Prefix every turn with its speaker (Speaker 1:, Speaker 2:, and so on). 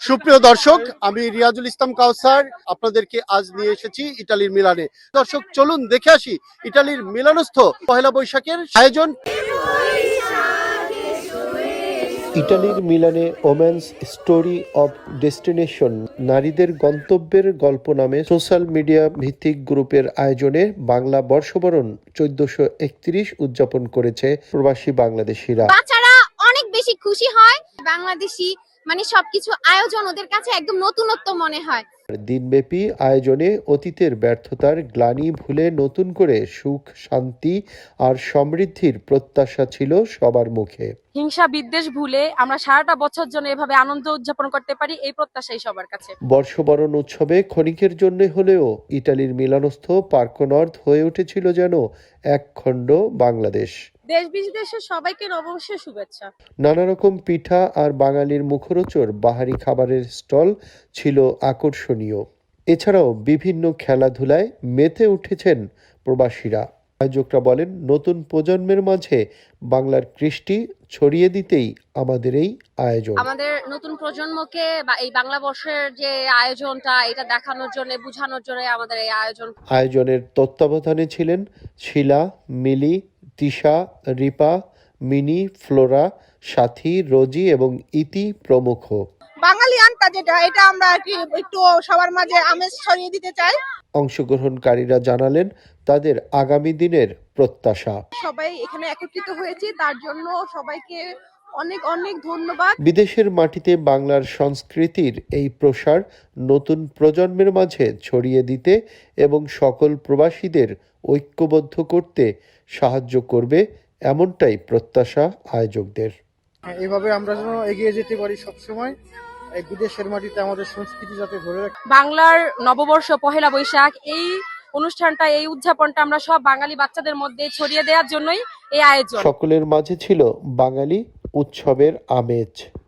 Speaker 1: সুপ্রিয় দর্শক, আমি রিয়াজুল ইসলাম কাউসার আপনাদেরকে আজ নিয়ে এসেছি ইতালির মিলানে। দর্শক চলুন দেখে আসি ইতালির মিলানস্থ পহেলা বৈশাখের আয়োজন। ইটালির মিলানে ওমেন্স স্টোরি অব ডেস্টিনেশন নারীদের গন্তব্যের গল্প নামে সোশ্যাল মিডিয়া ভিত্তিক গ্রুপের আয়োজনে বাংলা বর্ষবরণ 1431 উদযাপন করেছে প্রবাসী বাংলাদেশিরা।
Speaker 2: বাচ্চারা অনেক বেশি খুশি হয়। বাংলাদেশি মানে সবকিছু আয়োজন ওদের কাছে একদম নতুনত্ব মনে হয়।
Speaker 1: দিনব্যাপী আয়োজনে অতীতের ব্যর্থতার গ্লানি ভুলে নতুন করে সুখ, শান্তি আর সমৃদ্ধির প্রত্যাশা ছিল সবার মুখে।
Speaker 3: হিংসা বিদ্বেষ ভুলে আমরা সারাটা বছর জন্য এভাবে আনন্দ উদযাপন করতে পারি, এই প্রত্যাশাই সবার কাছে।
Speaker 1: বর্ষবরণ উৎসবে ক্ষণিকের জন্য হলেও ইটালির মিলানস্থ পার্ক নর্থ হয়ে উঠেছিল যেন এক খণ্ড বাংলাদেশ।
Speaker 3: দেশ বিদেশের সবাইকে নববর্ষের শুভেচ্ছা।
Speaker 1: নানা রকম পিঠা আর বাঙালির মুখরোচর বাহারি খাবারের স্টল ছিল আকর্ষণীয়। এছাড়াও বিভিন্ন খেলাধুলায় মেতে উঠেছেন প্রবাসীরা। আয়োজকরা বলেন, নতুন প্রজন্মের মাঝে বাংলার কৃষ্টি ছড়িয়ে দিতেই আমাদের এই আয়োজন।
Speaker 3: আমাদের নতুন প্রজন্মকে এই বাংলা বর্ষের যে আয়োজনটা এটা দেখানোর জন্য, বোঝানোর জন্য আমাদের এই আয়োজন।
Speaker 1: আয়োজনের তত্ত্বাবধানে ছিলেন শিলা, মিলি, তিশা, রিপা, মিনি, ফ্লোরা, সাথী, রোজি এবং ইতি প্রমুখ।
Speaker 4: বাঙালি আনটা যেটা, এটা আমরা আর কি একটু সবার মাঝে আমেজ ছড়িয়ে দিতে চাই।
Speaker 1: অংশগ্রহণকারীরা জানালেন তাদের আগামী দিনের প্রত্যাশা।
Speaker 4: সবাই এখানে একত্রিত হয়েছি, তার জন্য সবাইকে অনেক অনেক ধন্যবাদ।
Speaker 1: বিদেশের মাটিতে বাংলার সংস্কৃতির এই প্রসার নতুন প্রজন্মের মাঝে ছড়িয়ে দিতে এবং সকল প্রবাসীদের ঐক্যবদ্ধ করতে সাহায্য করবে, এমনটাই প্রত্যাশা আয়োজকদের।
Speaker 5: এভাবে আমরা যেন এগিয়ে যেতে পারি সবসময়, এই বিদেশের মাটিতে আমাদের সংস্কৃতি যাতে ধরে রাখে।
Speaker 3: বাংলার নববর্ষ পহেলা বৈশাখ এই অনুষ্ঠানটা, এই উদযাপনটা আমরা সব বাঙালি বাচ্চাদের মধ্যে ছড়িয়ে দেওয়ার জন্যই এই আয়োজন।
Speaker 1: সকলের মাঝে ছিল বাঙালি উৎসবের আমেজ।